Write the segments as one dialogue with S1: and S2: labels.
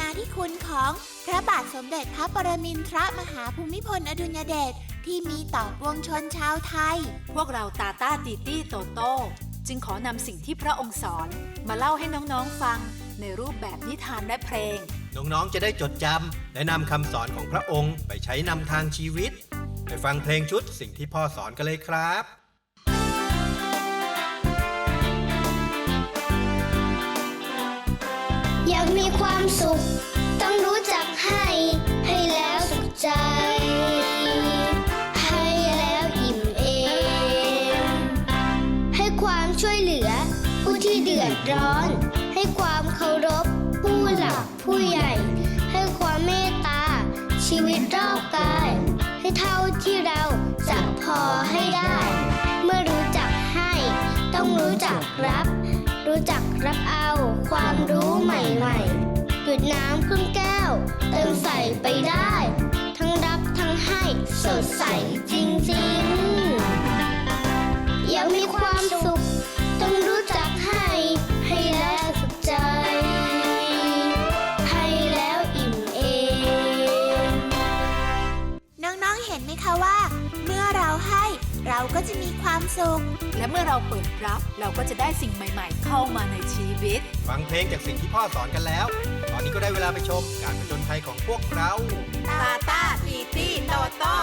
S1: ธิคุณของพระบาทสมเด็จพระปรมินทรมหาภูมิพลอดุลยเดชที่มีต่อปวงชนชาวไทย
S2: พวกเราตาต้าตีตี้โตโต้จึงขอนำสิ่งที่พระองค์สอนมาเล่าให้น้องๆฟังในรูปแบบนิทานและเพลง
S3: น้องๆจะได้จดจำและนำคำสอนของพระองค์ไปใช้นำทางชีวิตไปฟังเพลงชุดสิ่งที่พ่อสอนกันเลยครับ
S4: อยากมีความสุขต้องรู้จักให้แล้วสุขใจ ให้แล้วอิ่มเอมให้ความช่วยเหลือผู้ที่เดือดร้อนให้ความเคารพผู้หลักผู้ใหญ่ให้ความเมตตาชีวิตรอบกายให้เท่าที่เราจะพอให้ได้เมื่อรู้จักให้ต้องรู้จักรับรู้จักรับเอาความรู้ใหม่ๆหยุดน้ำครึ่งแก้วเติมใส่ไปได้ทั้งรับทั้งให้สดใสจริงๆอยากมีความสุขต้องรู้จักให้แล้วสุขใจให้แล้วอิ่มเอม
S1: น้องๆเห็นไหมคะว่าเมื่อเราให้เราก็จะมีความสุข
S2: และเมื่อเราเปิดรับเราก็จะได้สิ่งใหม่ๆเข้ามาในชีวิต
S3: ฟังเพลงจากสิ่งที่พ่อสอนกันแล้วตอนนี้ก็ได้เวลาไปชมการผจญภัยของพวกเรา
S2: ตาต้าตีตี้โตโต้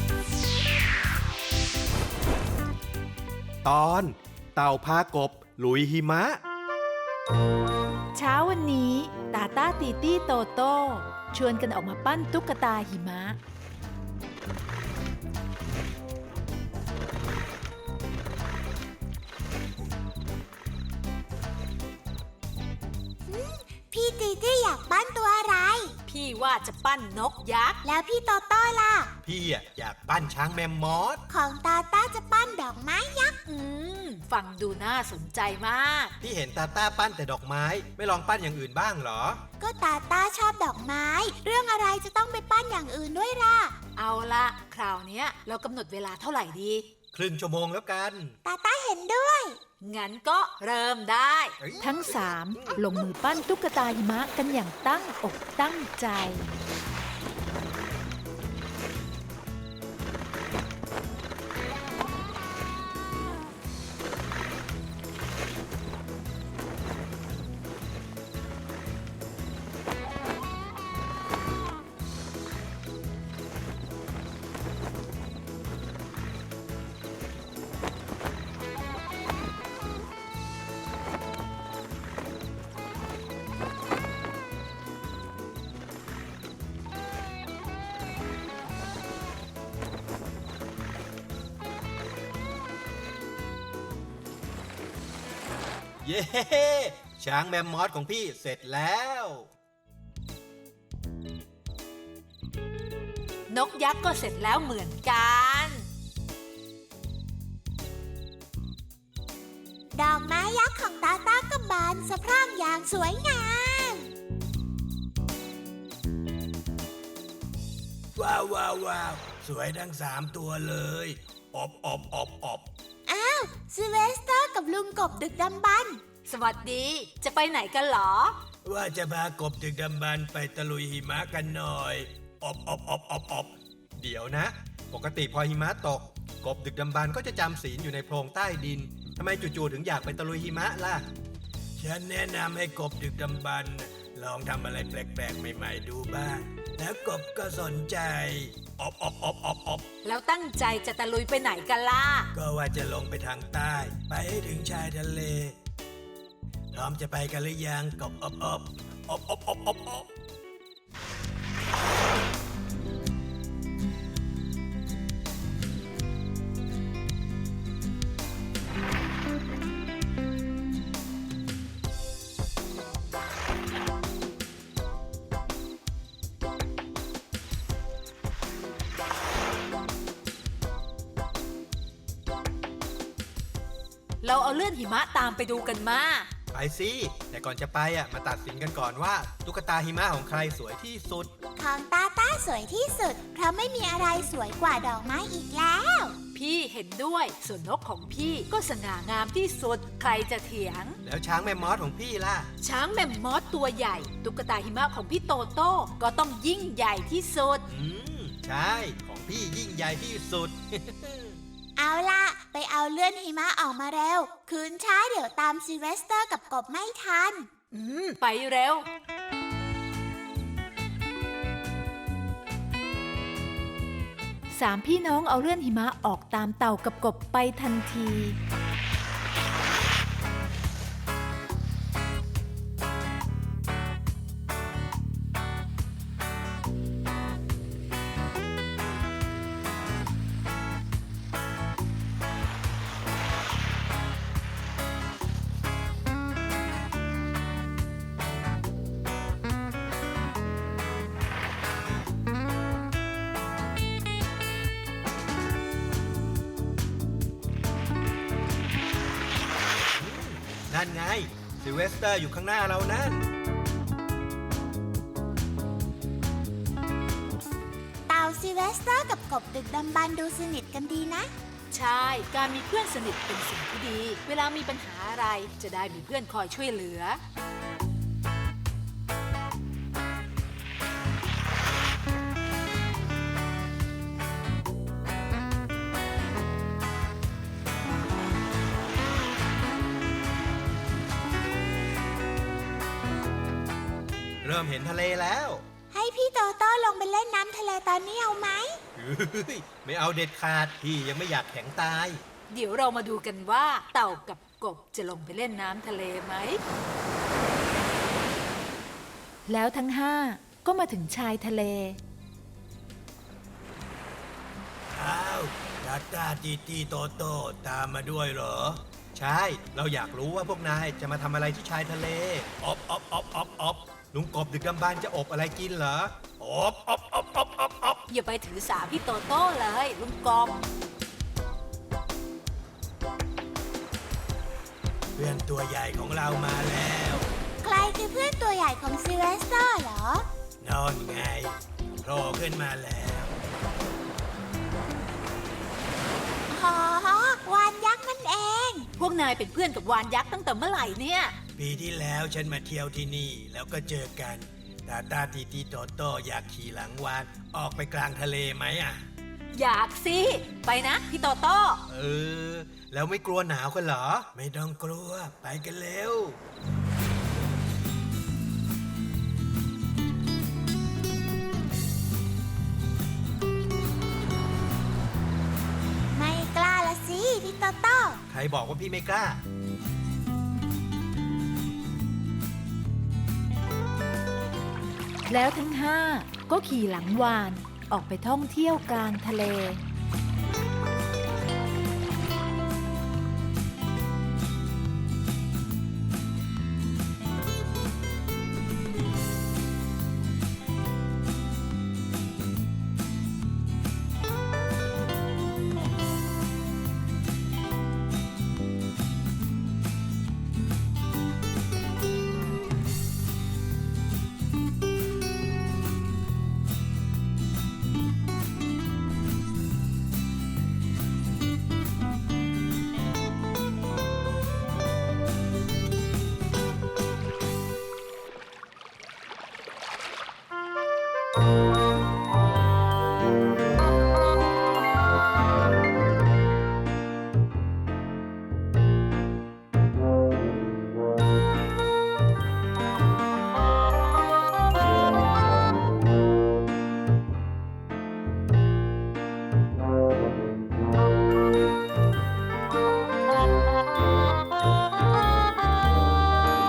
S3: ตอนเต่าพากบลุยหิมะ
S2: เช้าวันนี้ตาต้าตีตี้โตโต้ชวนกันออกมาปั้นตุ๊กตาหิมะ
S1: พี่ตีตี้อยากปั้นตัวอะไร
S2: พี่ว่าจะปั้นนกยักษ์
S1: แล้วพี่โตโต้ล่ะ
S3: พี่อยากปั้นช้างแมมมอส
S1: ของตาต้าจะปั้นดอกไม้ยักษ์
S2: ฟังดูน่าสนใจมาก
S3: พี่เห็นตาต้าปั้นแต่ดอกไม้ไม่ลองปั้นอย่างอื่นบ้างเหรอ
S1: ก็ตาต้าชอบดอกไม้เรื่องอะไรจะต้องไปปั้นอย่างอื่นด้วยล่ะ
S2: เอาละคราวนี้เรากำหนดเวลาเท่าไหร่ดี
S3: ครึ่งชั่วโมงแล้วกัน
S1: ตาต้าเห็นด้วย
S2: งั้นก็เริ่มได้ทั้งสามลงมือปั้นตุ๊กตาหิมะกันอย่างตั้งอกตั้งใจ
S3: เย้ช้างแมมมอสของพี่เสร็จแล้ว
S2: นกยักษ์ก็เสร็จแล้วเหมือนกัน
S1: ดอกไม้ยักษ์ของตาต้าก็บานสะพรั่งอย่างสวยงาม
S3: ว้าวสวยทั้ง3ตัวเลยอบ
S1: อ้าวซิเวสเตอร์กับลุงกบดึกดำบรรพ์
S2: สวัสดีจะไปไหนกันหรอ
S3: ว่าจะพากบดึกดำบรรพ์ไปตะลุยหิมะกันหน่อยอบเดี๋ยวนะปกติพอหิมะตกกบดึกดำบรรพ์ก็จะจำศีลอยู่ในโพรงใต้ดินทำไมจู่ๆถึงอยากไปตะลุยหิมะล่ะฉันแนะนำให้กบดึกดำบรรพ์ลองทำอะไรแปลกๆใหม่ๆดูบ้างแล้วกบก็สนใจอบ
S2: แล้วตั้งใจจะตะลุยไปไหนกันล่ะ
S3: ก็ว่าจะลงไปทางใต้ไปให้ถึงชายทะเลพร้อมจะไปกันหรือยังกบอบ
S2: เราเอาเลื่อนหิมะตามไปดูกันมา
S3: ไปสิแต่ก่อนจะไปมาตัดสินกันก่อนว่าตุ๊กตาหิมะของใครสวยที่สุด
S1: ของตาต้าสวยที่สุดเพราะไม่มีอะไรสวยกว่าดอกไม้อีกแล้ว
S2: พี่เห็นด้วยส่วนนกของพี่ก็สง่างามที่สุดใครจะเถียง
S3: แล้วช้างแมมมอสของพี่ล่ะ
S2: ช้างแมมมอสตัวใหญ่ตุ๊กตาหิมะของพี่โตโต้ก็ต้องยิ่งใหญ่ที่สุด
S3: ใช่ ของพี่ยิ่งใหญ่ที่สุด
S1: เอาล่ะ ไปเอาเลื่อนหิมะออกมาเร็ว คืนช้าเดี๋ยวตามซิลเวสเตอร์กับกบไม่ทัน
S2: ไปเร็ว สามพี่น้องเอาเลื่อนหิมะออกตามเต่ากับกบไปทันที
S3: นั่นไงซิลเวสเตอร์อยู่ข้างหน้าเรานั่น
S1: เต่าซิลเวสเตอร์กับกบดึกดำบรรพ์ดูสนิทกันดีนะ
S2: ใช่ การมีเพื่อนสนิทเป็นสิ่งที่ดี เวลามีปัญหาอะไรจะได้มีเพื่อนคอยช่วยเหลือ
S3: เริ่มเห็นทะเลแล้ว
S1: ให้พี่โตโต้ลงไปเล่นน้ำทะเลตอนนี้เอาไหม
S3: ไม่เอาเด็ดขาด พี่ยังไม่อยากแข็งตาย
S2: เดี๋ยวเรามาดูกันว่าเต่ากับกบจะลงไปเล่นน้ำทะเลไหม แล้วทั้งห้าก็มาถึงชายทะเล
S3: อ้าวตาตาตีตีโตโตตามมาด้วยเหรอ ใช่ เราอยากรู้ว่าพวกนายจะมาทำอะไรที่ชายทะเลอบอบอบอบอบลุงกบดึกดำบรรพ์จะอบอะไรกินเหรออบอบอบอบอบอบ
S2: อย่าไปถือสาพี่โตโต้เลยลุงกบ
S3: เพื่อนตัวใหญ่ของเรามาแล้ว
S1: ใครคือเพื่อนตัวใหญ่ของซิลเวสเตอร์เหรอ
S3: นอนไงโผล่ขึ้นมาแล้ว
S1: อ๋อวานยักษ์นั่นเอง
S2: พวกนายเป็นเพื่อนกับวานยักษ์ตั้งแต่เมื่อไหร่เนี่ย
S3: ปีที่แล้วฉันมาเที่ยวที่นี่แล้วก็เจอกันตาตาตีตีโตโตอยากขี่หลังวานออกไปกลางทะเลไหมอ่ะ
S2: อยากสิ ไปนะพี่โตโต้
S3: แล้วไม่กลัวหนาวกันเหรอ ไม่ต้องกลัว ไปกันเร็ว
S1: ไม่กล้าละสิพี่โตโต้
S3: ใครบอกว่าพี่ไม่กล้า
S2: แล้วทั้งห้าก็ขี่หลังวานออกไปท่องเที่ยวกลางทะเล